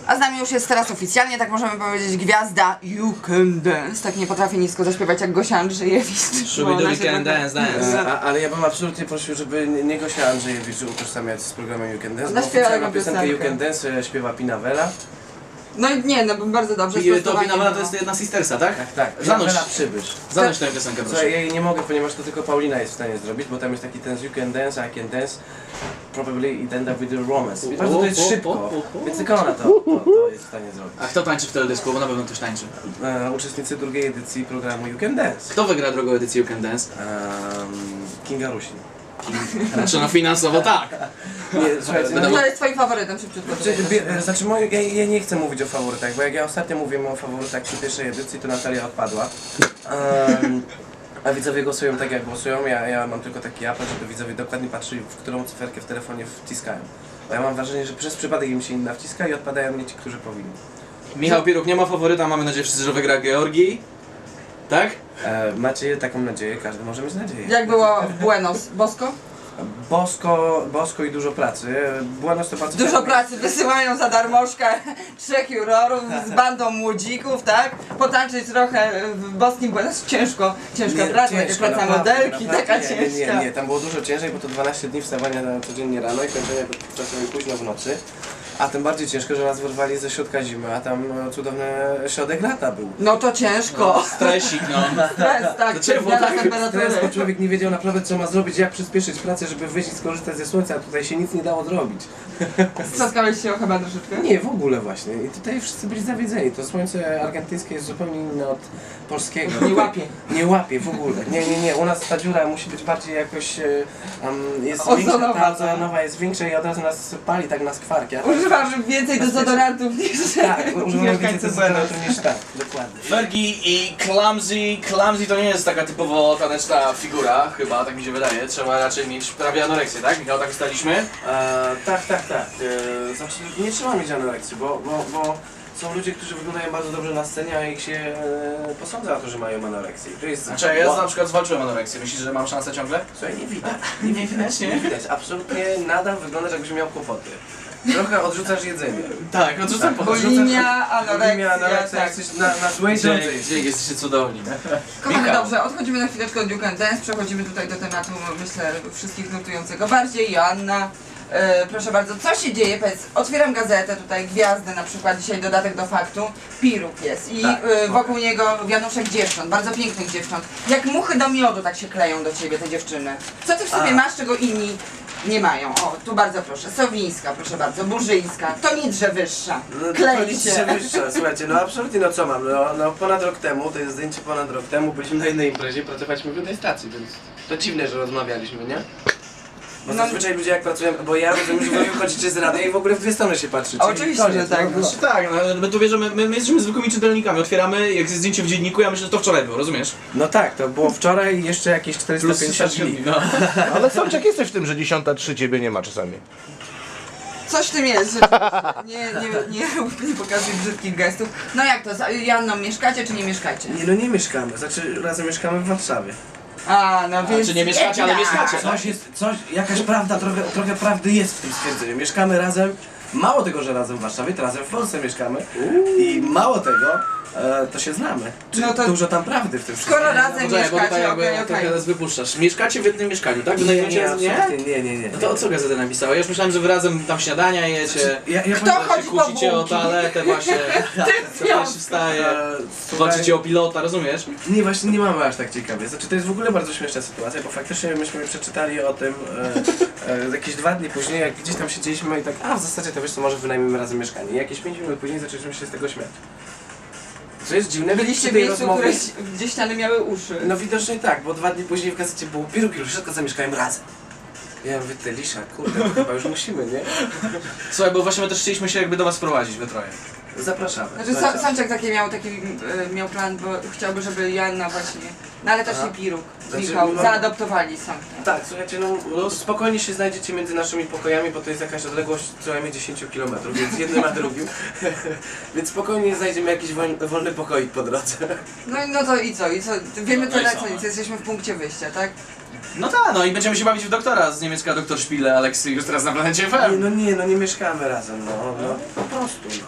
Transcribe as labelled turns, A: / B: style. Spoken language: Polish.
A: A z nami już jest teraz oficjalnie, tak możemy powiedzieć, gwiazda You Can Dance. Tak nie potrafię nisko zaśpiewać jak Gosia Andrzejewicz.
B: Should we can dance.
C: Ale ja bym absolutnie prosił, żeby nie Gosia Andrzejewicz utożsamiać z programem You Can Dance, bo
A: Zaśpiewa
C: oficjalną
A: jego
C: piosenkę You
A: piosenkę.
C: Can Dance śpiewa Pinawela.
A: No i nie, no bardzo dobrze.
B: I to
A: sprostowanie
B: Pinawela to
A: było.
B: jest jedna sistersa, tak?
C: Tak,
B: Zanuś,
C: Pinawela Przybysz.
B: zanuś tę piosenkę, proszę.
C: Słuchaj, ja jej nie mogę, ponieważ to tylko Paulina jest w stanie zrobić, bo tam jest taki ten You Can Dance, I Can Dance, probably it end up with a romance. I bardzo to jest szybko, więc tylko ona to jest w stanie zrobić.
B: A kto tańczy w teledysku? Bo na pewno ktoś tańczy.
C: Uczestnicy drugiej edycji programu You Can Dance.
B: Kto wygra drugą edycję You Can Dance?
C: Kinga Rusin.
B: Znaczy no finansowo tak.
C: Nie, słuchajcie,
A: No to jest twoim faworytem, szybciutko.
C: Znaczy, ja nie chcę mówić o faworytach, bo jak ja ostatnio mówiłem o faworytach przy pierwszej edycji, to Natalia odpadła. A widzowie głosują tak jak głosują, ja mam tylko taki apel, żeby widzowie dokładnie patrzyli, w którą cyferkę w telefonie wciskają. Bo ja mam wrażenie, że przez przypadek im się inna wciska i odpadają mnie ci, którzy powinni.
B: Michał Pieruk nie ma faworyta, mamy nadzieję wszyscy, że wygra Georgii. Tak?
C: Macie taką nadzieję, każdy może mieć nadzieję.
A: Jak było w Buenos? Bosko?
C: Bosko i dużo pracy. Buenos to bardzo
A: Dużo
C: fajne
A: pracy, wysyłają za darmożkę 3 jurorów z bandą młodzików, tak? Potańczyć trochę w boskim Buenos. Ciężka praca, jak praca
C: naprawdę,
A: modelki, taka
C: naprawdę.
A: ciężka.
C: Nie, tam było dużo ciężej, bo to 12 dni wstawania codziennie rano i kończenia czasami późno w nocy. A tym bardziej ciężko, że nas wyrwali ze środka zimy, a tam cudowny środek lata był.
A: No to ciężko.
B: Stresik, no.
A: Stres, tak,
B: To czerwone,
A: zmiana
C: Stres, bo
A: temperatury.
C: człowiek nie wiedział naprawdę co ma zrobić, jak przyspieszyć pracę, żeby wyjść i skorzystać ze słońca, a tutaj się nic nie dało zrobić.
A: Strzaskałeś się chyba troszeczkę?
C: Nie, w ogóle właśnie. I tutaj wszyscy byli zawiedzeni. To słońce argentyńskie jest zupełnie inne od polskiego.
A: Nie łapie.
C: Nie łapie w ogóle. Nie. U nas ta dziura musi być bardziej jakoś... jest
A: Ozonowa.
C: większa, ta ozonowa jest większa i od razu nas pali tak na skwarki.
A: Używasz więcej dezodorantów niż
C: Tak, używam więcej
A: mieszkańcy
C: dezodorantów niż tak. Dokładnie.
B: Fergie i Clumsy to nie jest taka typowo taneczna figura, chyba, tak mi się wydaje. Trzeba raczej mieć prawie anoreksję, tak? Michał, tak ustaliśmy?
C: Tak. Znaczy, nie trzeba mieć anoreksji, bo są ludzie, którzy wyglądają bardzo dobrze na scenie, a ich się posądza o to, że mają anoreksję. To jest...
B: Znaczy, ja na przykład zwalczyłem anoreksję. Myślisz, że mam szansę ciągle?
C: Słuchaj, nie widać.
B: Nie widać,
C: Nie widać. Absolutnie nadal wyglądasz, jakbyś miał kłopoty. Trochę odrzucasz jedzenie.
B: Tak, odrzucam po
A: Bulimia, anoreksja,
C: anoreksja,
A: tak.
C: jesteś na złej drodze.
B: Dzięki, jesteście cudowni.
A: Kochani,
B: Michał.
A: dobrze, odchodzimy na chwileczkę od You Can Dance, przechodzimy tutaj do tematu, myślę, wszystkich nurtującego bardziej. Joanna, proszę bardzo, co się dzieje? Powiedz, otwieram gazetę, tutaj gwiazdy na przykład, dzisiaj dodatek do faktu, Piruk jest i
C: Tak.
A: wokół niego wianuszek dziewcząt, bardzo pięknych dziewcząt. Jak muchy do miodu tak się kleją do ciebie te dziewczyny. Co ty w sobie masz, czego inni nie mają? O, tu bardzo proszę, Sowińska, proszę bardzo, Burzyńska, to Nidrze wyższa, klei się.
C: Wyższa. Słuchajcie, no absolutnie, no co mam? No ponad rok temu, to jest zdjęcie ponad rok temu, byliśmy na jednej imprezie, pracowaliśmy w jednej stacji, więc to dziwne, że rozmawialiśmy, nie? Bo
A: No.
C: zazwyczaj ludzie jak pracują, bo ja rozumiem, że wy wychodzicie z radia i w ogóle w dwie strony się patrzycie.
A: Oczywiście,
C: Koniec,
A: że tak.
C: no.
B: Znaczy tak, no, my tu bierzemy, my jesteśmy zwykłymi czytelnikami, otwieramy, jak jest zdjęcie w dzienniku, ja myślę, że to wczoraj było, rozumiesz?
C: No tak, to było wczoraj i jeszcze jakieś
B: Plus
C: 450
B: 300
C: dni.
B: no.
D: Ale Sączek jesteś w tym, że 10:03 ciebie nie ma czasami.
A: Coś w tym jest, że nie pokazuj brzydkich gestów. No jak to, z Janną mieszkacie czy nie mieszkacie?
C: Nie, no nie mieszkamy, znaczy razem mieszkamy w Warszawie.
A: A, no więc...
B: czy nie mieszkacie, ale mieszkacie.
C: Jakaś prawda, trochę prawdy jest w tym stwierdzeniu. Mieszkamy razem, mało tego, że razem w Warszawie, to razem w Polsce mieszkamy. I mało tego, to się znamy. Czyli
A: No to-
C: dużo tam prawdy w tym wszystkim.
A: Skoro razem
B: Poczekaj, bo tutaj
A: mieszkacie,
B: jakby
A: okej.
B: trochę nas wypuszczasz. Mieszkacie w jednym mieszkaniu, tak?
C: Nie,
B: Wynajmujecie
C: nie.
B: No to o co gazeta napisała? Ja już myślałem, że wy razem tam śniadania jecie,
A: Kto chodzi
B: się
A: po
B: kłócicie o
A: bułki?
B: toaletę właśnie, co pierwszy wstaje, walczycie o pilota, rozumiesz?
C: Nie, właśnie nie mamy aż tak ciekawie. Znaczy to jest w ogóle bardzo śmieszna sytuacja, bo faktycznie myśmy przeczytali o tym jakieś 2 dni później, jak gdzieś tam siedzieliśmy i tak, w zasadzie to wiesz co, może wynajmiemy razem mieszkanie. I jakieś 5 minut później zaczęliśmy się z tego śmiać. Co jest dziwne,
A: Byliście
C: przy
A: w
C: tej
A: miejscu,
C: rozmowie-
A: gdzie ściany miały uszy.
C: No widocznie tak, bo 2 dni później w gazecie było Piruk i wszystko zamieszkałem razem. Ja mówię, ty Lisza, kurde, to chyba już musimy, nie?
B: Słuchaj, bo właśnie my też chcieliśmy się jakby do was wprowadzić we troje.
C: Zapraszamy.
A: Znaczy Sączek miał plan, bo chciałby, żeby Joanna właśnie, no ale też
C: Aha.
A: i Piruk,
C: Znaczy,
A: Michał,
C: no-
A: zaadoptowali Sączka.
C: Tak, słuchajcie, no spokojnie się znajdziecie między naszymi pokojami, bo to jest jakaś odległość co najmniej 10 km, więc jednym a drugim. Więc spokojnie znajdziemy jakiś wolny pokoik po drodze.
A: No to i co? Wiemy
B: No i
A: tyle
B: co?
A: co nic, jesteśmy w punkcie wyjścia, tak?
B: No tak, no i będziemy się bawić w doktora z niemiecka doktor Szpile, Aleksy już teraz na planecie FM.
C: Nie mieszkamy razem, no po prostu,